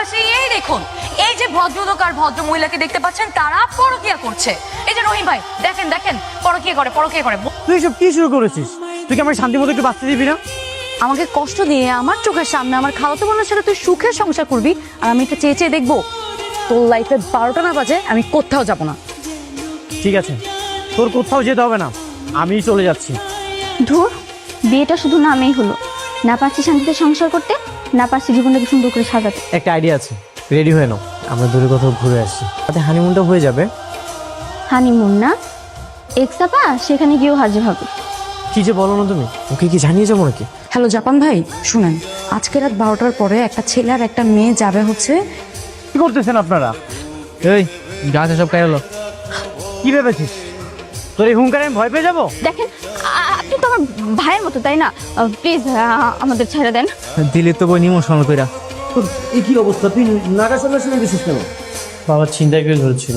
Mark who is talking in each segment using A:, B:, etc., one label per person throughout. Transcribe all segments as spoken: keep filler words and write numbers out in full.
A: পাশাপাশি এই দেখুন এই যে ভদ্রলোক আর ভদ্র মহিলাকে দেখতে পাচ্ছেন তারা পরকীয়া করছে। এই যে রহিম ভাই দেখেন দেখেন পরকীয়া করে পরকীয়া করে।
B: তুই সব কি শুরু করেছিস? তুই কি আমাকে শান্তি মতো একটু বাঁচতে দিবি না?
A: আমাকে কষ্ট দিয়ে আমার চোখের সামনে আমার খালাতো বোনের সাথে তুই সুখের সংসার করবি আর আমি এটা চেয়ে চেয়ে দেখবো? তোর লাইফে বারোটা না বাজে আমি কোথাও যাব না।
B: ঠিক আছে, তোর কোথাও যেতে হবে না, আমিই চলে যাচ্ছি।
C: ধুর, বিয়েটা শুধু নামেই হলো, না পারছি শান্তিতে সংসার করতে, না পারছি জীবনটাকে সুন্দর করে সাজাতে।
B: একটা আইডিয়া আছে, রেডি হয়ে নাও, আমরা দূরে কোথাও ঘুরে আসছি, তাতে হানিমুনটা হয়ে যাবে।
C: হানিমুন না, এক্সাপা সেখানে গিয়েও হাজির হবে।
B: কি যে বলো না তুমি, ওকে কি জানিয়ে যাবো নাকি?
A: হ্যালো জাপান ভাই, শুনেন আজকে রাত বারোটার পরে একটা ছেলে আর একটা মেয়ে যাবে হচ্ছে।
B: কি করতেছেন আপনারা? এই গাছ সব খাই হলো, কি ভেবেছিস তোর এই হুঙ্কারে আমি ভয় পেয়ে যাবো?
C: দেখেন, আ- আপনি তো আমার ভাইয়ের মতো, তাই না? প্লিজ আমাদের ছেড়ে দেন।
B: দিলে তো বই ইমোশনাল কইরা।
D: এই কি অবস্থা, তুই নাগা সামনে শুনে গেছিস কেন?
B: বাবা চিন্তায় করে ধরেছিল,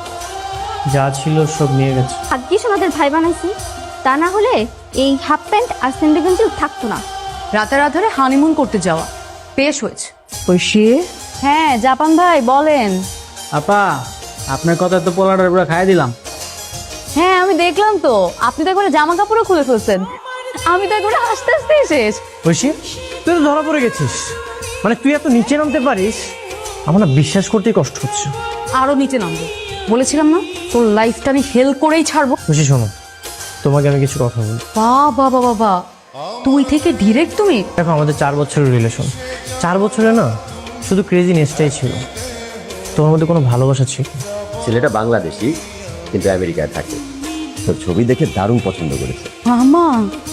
B: যা ছিল সব নিয়ে গেছে।
C: ভাগ্যিস আমাদের ভাই বানাইছি, তা না হলে এই হাফ প্যান্ট আর স্যান্ডেল গেঞ্জি থাকতো না।
A: রাতের আধারে হানিমুন করতে যাওয়া বেশ হয়েছে। ঐশী, হ্যাঁ জাপান ভাই বলেন।
B: আপা, আপনার কথা তো পোলাটার পুরো খাইয়ে দিলাম।
A: হ্যাঁ আমি দেখলাম তো, আপনি তো একবারে জামা কাপড়ও খুলে ফেলছেন, আমি তো একবারে হাসতে হাসতে শেষ।
B: ঐশী, তুই তো ধরা পড়ে গেছিস, মানে তুই এত নিচে নামতে পারিস, আমার না বিশ্বাস করতেই কষ্ট হচ্ছে।
A: আরো নিচে নামবো বলেছিলাম না, তোর লাইফটা আমি হেল করেই ছাড়বো।
B: ঐশী শোনো, তোমাকে আমি কিছু কথা বলি।
A: বাবা বাবা বাবা, তুই থেকে ডিরেক্ট তুমি।
B: দেখো আমাদের চার বছরের রিলেশন, চার বছরে না শুধু ক্রেজিনেসটাই ছিল, তোমার মধ্যে কোনো ভালোবাসা ছিল না।
D: ছেলেটা বাংলাদেশি কিন্তু আমেরিকায় থাকে, তোর ছবি দেখে দারুণ পছন্দ করেছে।
A: মামা,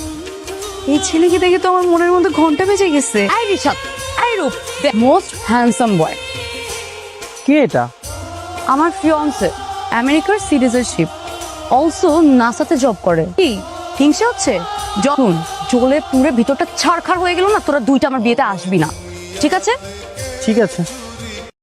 A: এই ছেলেকে দেখে তো আমার মনের মধ্যে ঘন্টা বেজে গেছে। I Rishad, I Rup, most handsome boy.
B: কে এটা?
A: আমার ফিয়ান্সে, আমেরিকার সিটিজেনশিপ, অলসো নাসাতে জব করে। কি হিংসা হচ্ছে? যখন জ্বলে পুরে ভিতরটা ছারখার হয়ে গেল না, তোরা দুইটা আমার বিয়েতে আসবি না, ঠিক আছে?
B: ঠিক আছে।